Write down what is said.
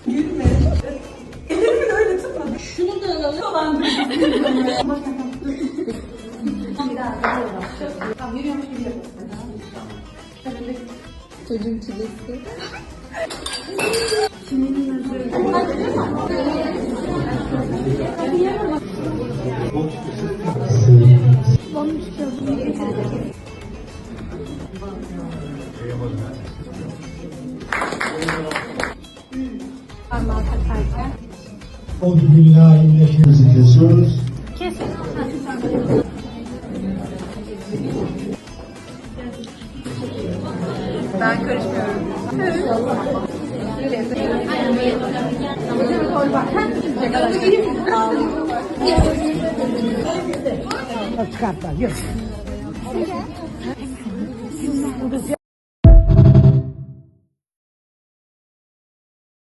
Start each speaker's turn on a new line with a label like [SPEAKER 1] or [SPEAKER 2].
[SPEAKER 1] Gülme. Ellerimi de öyle tutma. Şunu da alalım. Tamam, yürüyormuş gibi yapalım.
[SPEAKER 2] Çocuğun çilesi.
[SPEAKER 3] Parmağı takarken.
[SPEAKER 4] Bismillahirrahmanirrahim kesiyoruz.
[SPEAKER 3] Kesin.
[SPEAKER 1] Ben karışmıyorum.
[SPEAKER 4] Çıkartlar. Yok.